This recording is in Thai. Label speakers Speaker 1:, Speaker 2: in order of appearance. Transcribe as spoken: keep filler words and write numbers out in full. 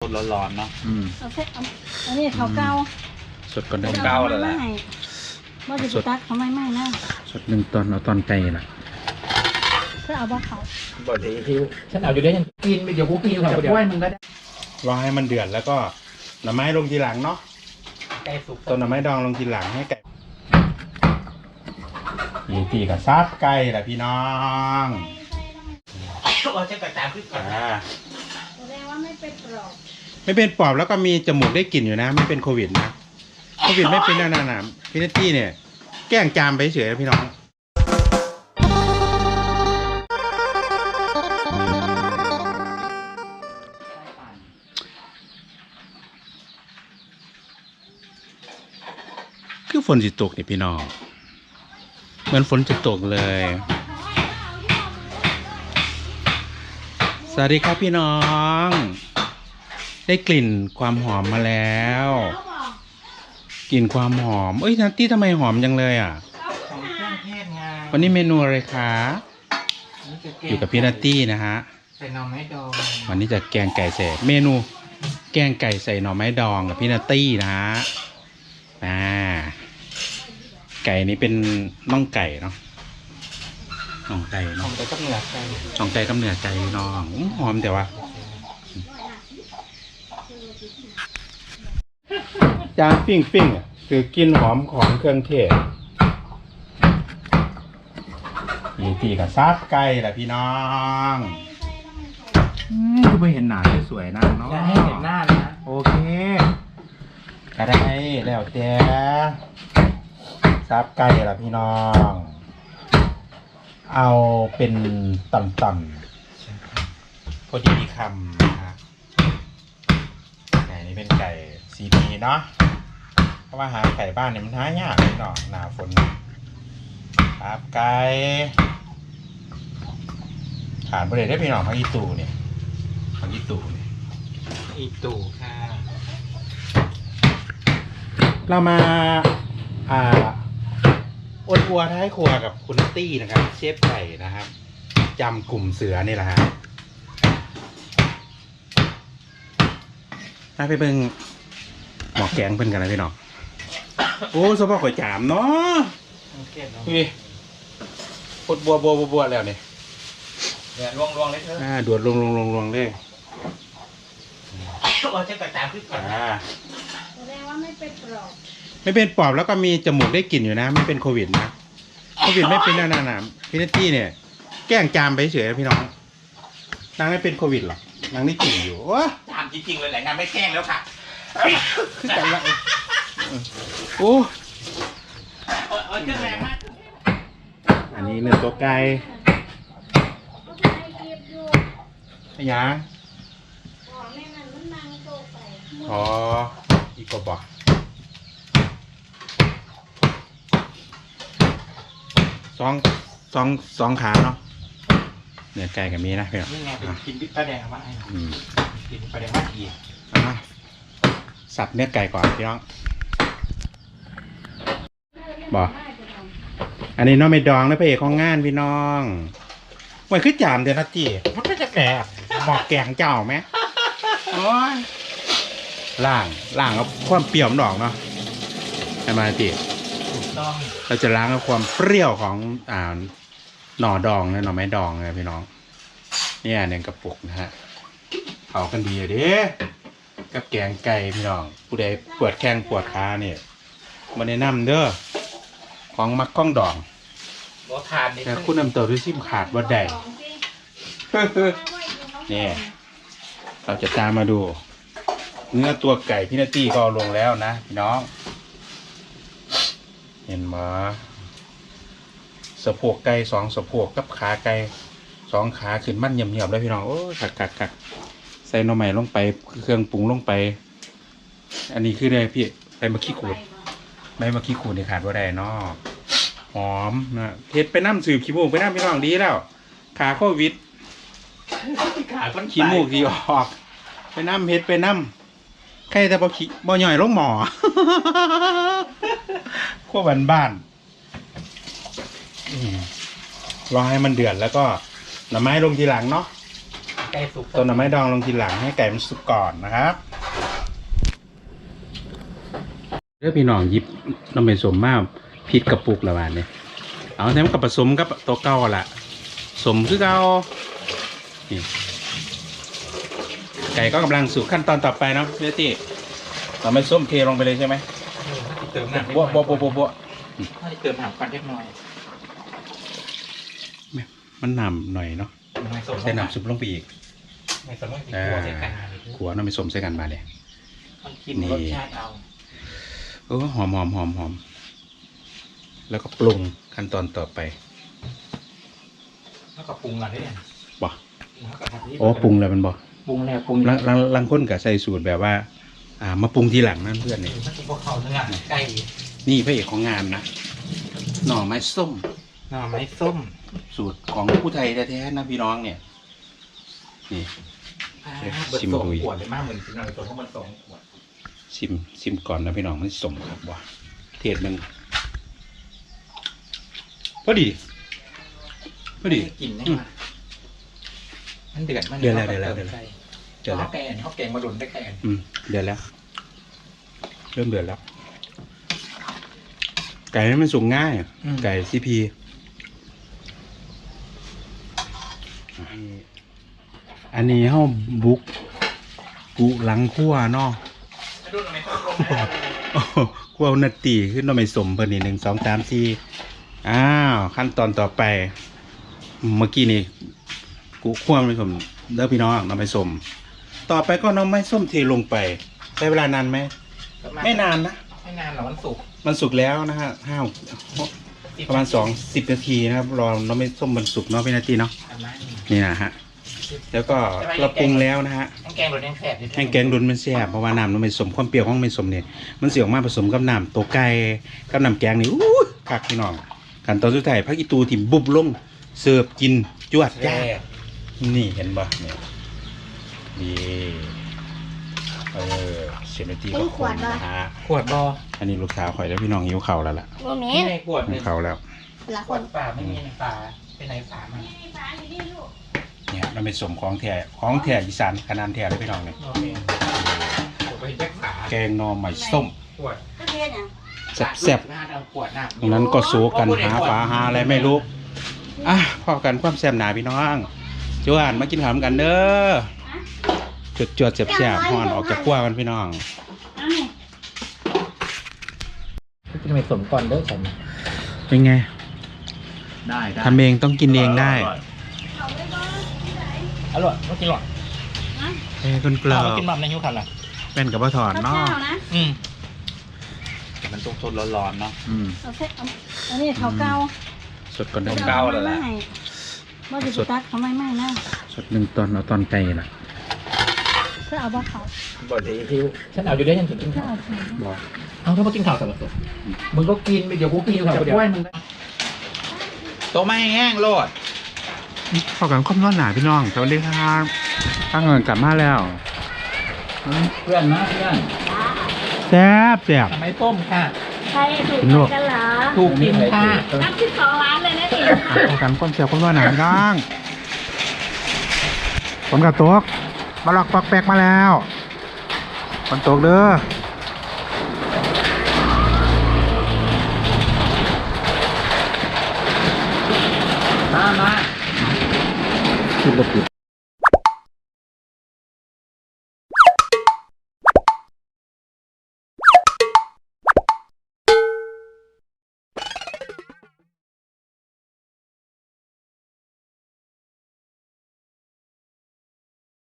Speaker 1: ดๆร้อนๆเนาะ
Speaker 2: อืม
Speaker 3: เอาเส้นอันนี้เขาเก่า
Speaker 2: สดก่อนได้
Speaker 1: เก่าเลยแหละ
Speaker 3: ว่าจะตักเขาไม่ไม่นะ
Speaker 2: สดหนึ่งตอนเอาตอนไก่ล่ะ
Speaker 3: ก็เอาว่าเขา
Speaker 1: บดทีฉันเอาอยู่ได้ยังกินไปเดี๋ยวกูกินกับกล้วยมึงก็ได้
Speaker 2: รอให้มันเดือดแล้วก็หน่อไม้ลงทีหลังเนาะ
Speaker 1: ไก่สุก
Speaker 2: ต้นหน่อไม้ดองลงทีหลังให้ไก่ยี่ตีกับซับไก่แหละพี่น้อง
Speaker 1: เราจะกระจายขึ้นก่อน
Speaker 3: แสดงว่าไม่เป็นปลอบ
Speaker 2: ไม่เป็นปอบแล้วก็มีจมูกได้กลิ่นอยู่นะไม่เป็นโควิดนะโควิดไม่เป็นนานาพี่นัตตี้เนี่ยแกล้งจามไปเฉยพี่น้องคือฝนจะตกนี่พี่น้องเหมือนฝนจะตกเลยสวัสดีครับพี่น้องได้กลิ่นความหอมมาแล้วกลิ่นความหอมเอ้ยนัตตี้ทำไมหอมจังเลยอ่ะ
Speaker 1: ของเครื่องเทศไง
Speaker 2: วันนี้เมนูอะไรคะอยู่กับพี่นัตตี้นะฮะ
Speaker 1: ใส่หน่อไม้ดอง
Speaker 2: วันนี้จะแกงไก่ใส่เมนูแกงไก่ใส่หน่อไม้ดองกับพี่นัตตี้นะฮะอ่าไก่นี้เป็นน่องไก่เนาะน่องไก่เนาะ
Speaker 1: น่องไก่กับเนื้อไก่
Speaker 2: น่องไก่กับเนื้อไก่น้องหอมแต่ว่าจานปิ้งปิ้งอ่ะคือกินหอมของเครื่องเทศยี่ตีกับซับไก่แหละพี่น้องคือไม่เห็นหนาสวยๆนะเนาะ
Speaker 1: จะให้เห็นหน้าเลยนะ
Speaker 2: โอเคก็ได้แล้วแต่ซับไก่แหละพี่น้องเอาเป็นต่ำๆพอดีคำนะฮะไก่นี้เป็นไก่ซีพีเนาะเพราะว่าหาไก่บ้านเนี่ยมันหายากเลยเนาะหนาฝนครับไก่ขาดไปเลยได้พี่น้องพักอีตูเนี่ยพักอีตูเนี่ย
Speaker 1: อีตู่ค่ะ
Speaker 2: เรามาอ่าอดอัวท้ายครัวกับคุณตี้นะครับเชฟไก่นะครับจำกลุ่มเสือนี่แหละฮะถ้าไปเบิ่งหมอกแกงเพิ่นกันนะพี่น้องโอ้สภาพข่อยจามเนาะนี่ปดบัวบัวบัวแล้วเนี่ย
Speaker 1: เนี่ยลวงลวงเลยเถอะ
Speaker 2: อ่าดวดลงลงลงลงเลย
Speaker 1: เราจะกระจายขึ้นก่อน
Speaker 3: แสดงว่าไม่เป็นปลอบ
Speaker 2: ไม่เป็นปอบแล้วก็มีจมูกได้กลิ่นอยู่นะไม่เป็นโควิดนะโควิดไม่เป็นนานาพี่นัตตี้เนี่ยแกล้งจามไปเฉยพี่น้องนางไม่เป็นโควิดหรอกนางได้กลิ่นอยู่ว้า
Speaker 1: จามจริงๆเลยแหละงานไม่แกล้งแล้วค่ะ
Speaker 2: คือกันละโอ้อันนี้เนื้อตัวไก่ขยะอ๋ออีกกบอกสองสองสองขาเนาะเนื้อไก่กับมีนะเพื่อน
Speaker 1: นี่ไงเป็นกินปลาแดงมาไอ้กินปลาแดงมาอีก
Speaker 2: สับเนื้อไก่ก่อนพี่น้องบอกอันนี้น้องไม่ดองนะพระเอกของงานพี่น้องมันคือจามเดี๋ยวนะจีมันก็จะแก่หมอกแกงเจ้าไหมโอ้ยล่างล่างเอาความเปรี้ยวดอกเนาะใช่ไหมจี
Speaker 1: ถูกต้อง
Speaker 2: เราจะล้างเอาความเปรี้ยวของอ่าหน่อดองนะหน่อไม้ดองนะพี่น้องเนี่ยหนึ่งกระปุกนะฮะเผากันดีเด้กับแกงไก่พี่น้องผู้ใดปวดแข้งปวดขาเนี่ยมาแนะนำเด้อของมักก้องดอง
Speaker 1: รสทานนี่
Speaker 2: แต่คุณนำตัวด้วยซิมขาดว่าใดเนี่ยเราจะตามมาดูเนื้อตัวไก่พี่นาตี้ก็ลงแล้วนะพี่น้องเห็นไหมสะโพกไก่สองสะโพกกับขาไก่สองขาขึ้นมั่นเหี่ยมๆแล้วพี่น้องโอ้กักกักกักใส่หน่อไม้ลงไปเครื่องปรุงลงไปอันนี้คืออะไรพี่ใบมะขี้ขูดใบมะขี้ขูดนี่ขาดว่าใดเนาะหอมนะเฮ็ดไปน้ำสืบขี้มูกไปน้ำพี่น้องดีแล้วขาโควิด
Speaker 1: ขาคน
Speaker 2: ขี้มูกดีออกไปน้ำเฮ็ดไปน้ำใครแต่บ่ขี้บ่หย่อยลงหมอขั้วบ้านบ้านรอให้มันเดือดแล้วก็หน่อไม้ลงทีหลังเนาะ
Speaker 1: ไก่ก่สุก
Speaker 2: ต้นหน่อไม้ดองลงทีหลังให้ไก่มันสุกก่อนนะครับเรื่องพี่น้องหยิบน้ำมันสมมาพริกกระปุกละบาทเนี่ยเอาแถมกับผสมกับตัวเก่าละสมคือเก่านี่ไก่ก็กำลังสู่ขั้นตอนต่อไปเนาะเนื้อตีเราไม่ส้มเทลงไปเลยใช่ไหม
Speaker 1: เติมน้ำ
Speaker 2: บัวบัวบัวบัวบัว
Speaker 1: ถ้าเติมน้ำกันเล็กน้อย
Speaker 2: มันนำหน่อยเนาะใส่น้ำซุปลงไปอีก
Speaker 1: ในสมมติขัวใส่กัน
Speaker 2: ขัวน้ำไม่ส้มใส่กันมาเลย
Speaker 1: มันกินรสชาติเอา
Speaker 2: โอ้หอมหอมหอมหอมแล้วก็ปรุงขั้นตอนต่อไป
Speaker 1: แล้วก็ปรุงอะไรเนี่ย
Speaker 2: บ่โอ้ปรุงแล้วมันบ่
Speaker 1: ปรุงแล้วปรุง
Speaker 2: ลังลังลังคนกับใส่สูตรแบบว่า อ่า มาปรุงทีหลังนั่นเพื่อนนี่
Speaker 1: ถ้ากินพวกเขาเนื้อไก่
Speaker 2: นี่พระเอกของงานนะหน่อไม้ส้ม
Speaker 1: หน่อไม้ส้ม
Speaker 2: สูตรของผู้ไทยแท้ๆนะพี่น้องเนี่ย นี่ ชิมดู
Speaker 1: ขวดเลยมากเหมือนกินหน่อยตัวเพราะมันสองขวด
Speaker 2: ชิมชิมก่อนนะพี่น้องมันสมครับว่าเทศมึงพอดีพอดี
Speaker 1: กินได้ไหมมันเดือดมัน
Speaker 2: เดือดแล้วเดือดแล้วเดือดแล้ว เดือดแล้ว
Speaker 1: แกงเขาแกงมาดุนได้แกง
Speaker 2: อืมเดือดแล้ว เริ่มเดือดแล้ว ไก่นี่มันสุกง่าย ไก่ซีพีอันนี้เฮาบุกกุหลังคั่วเนาะ
Speaker 1: ดุนไม่ต้องลง
Speaker 2: โอ้โหคั่วนาตีขึ้นมาไม่สมเพิ่นนี่หนึ่งสองสามสี่อ้าวขั้นตอนต่อไป เมื่อกี้นี่กุคั่วไม่สมเด้อพี่น้องน้ำไม่สม ต่อไปก็น้ำไม่ส้มเทลงไปใช้เวลานานไหมไม่นานนะ
Speaker 1: ไม่นานหรอกมันสุก
Speaker 2: มันสุกแล้วนะฮะห้าประมาณสองสิบนาทีนะครับรอน้ำไม่ส้มมันสุกเนาะพี่นาทีเนาะนี่นะฮะแล้วก็เราปรุงแล้วนะฮะ
Speaker 1: แห้งแกงดุนแห้งแสบ
Speaker 2: แห้งแกงดุนมันแซ่บเพราะว่าน้ำน้ำไม่ส้มความเปรี้ยวของไม่ส้มเนี่ยมันเสียออกมาผสมกับน้ำตัวไก่กับน้ำแกงนี่อู้คักพี่น้องขั้นตอนสุดท้ายพักอีตูถิ่มบุบลงเสิร์ฟกินจวดจ้านี่เห็นบ่เนี่ยนี่เออเซนตีก็คนนะฮะ
Speaker 1: ขวดบอ
Speaker 2: อันนี้ลูกสาวข่อยแล้วพี่น้องหิวเข่าวแล้วล่ะ
Speaker 3: โมเม
Speaker 1: นี่
Speaker 3: น
Speaker 1: ในขวด
Speaker 2: หิ
Speaker 1: เนี่
Speaker 2: วย เข่าวแล้ว
Speaker 3: ละ
Speaker 1: ข
Speaker 3: ค
Speaker 1: วน ดป่าไม่มีในป่าไปไหนป่ามัน
Speaker 2: เนี่ยมันเป็นสมของแท้ของแท้อีสานขนาดแท้เลยพี่น้องเนี่ย
Speaker 1: โอเคไปแยกขา
Speaker 2: แกงหนอใหม่ส้ม
Speaker 1: ขวด
Speaker 3: ก็เทศอ่ะ
Speaker 2: แซ่บ
Speaker 1: หน้าเอาขวดหน้า
Speaker 2: ๆตรงนั้นก็สู้กันหาปลาหาอะไรไม่รู้อ่ะพอกันความแซ่บหนาพี่น้องจวนมากินข้าวกันเด้อจุดจวดๆแซ่บๆฮอนออกจากขั้วกันพี่น้อง
Speaker 3: เอานี่
Speaker 1: กินไปสมก่อนเด้อฉัน
Speaker 2: เป็นไง
Speaker 1: ได้ได้
Speaker 2: ทำเองต้องกินเองได้
Speaker 1: อร่อยไม่กินหรอก
Speaker 2: เอ้คนเกลือ
Speaker 1: ไม่กินแบบในยุคขันล่ะ
Speaker 2: เป็นกับปลาถอน
Speaker 3: ข้าว
Speaker 2: เนาะ
Speaker 3: เจ้านะ
Speaker 1: อืมมันสดๆร้อนๆเนาะ
Speaker 2: อืม
Speaker 3: เอาเทเอาอันนี้เขาเก่า
Speaker 2: สดก่อนได้
Speaker 1: เก่าแล้วล่ะ
Speaker 3: ว่าจะตักเขาไม่ไม่นะ
Speaker 2: สดหนึ่งตอนเอาตอนไก่ล่ะ
Speaker 3: เพื่อเอาบ่เขา
Speaker 1: บ่ดีที่ฉันเอาอยู่ได้ฉันถึงกิน
Speaker 3: เพื่อ
Speaker 1: ข้าว
Speaker 3: เอาเขา
Speaker 2: บอก
Speaker 1: เอาถ้ามากินข้าวสับสนมึงก็กินเดี๋ยวกูกินข้าวเดี๋ยวมึงโตไม่แห้งโลด
Speaker 2: เข้ากันข้อมนอนหนาพี่น้องสวัสดีครับตั้งเงินกลับมาแล้ว
Speaker 1: เพื่อนนะเพื่อน
Speaker 2: แซ่บแซ่บ
Speaker 1: ทำไมต้มค่ะ
Speaker 3: ใครถูกกันเหรอ
Speaker 1: ถูกกินค่ะ
Speaker 3: นับสิบสองล้านเลยนะนี่
Speaker 2: เข้ากันข้อมแซ่บข้อมนอนหนาพี่น้องฝนกับตกมาหลอกปอกแปกมาแล้วฝนตกเด้อ
Speaker 1: มามา
Speaker 2: ขึ้นรถติด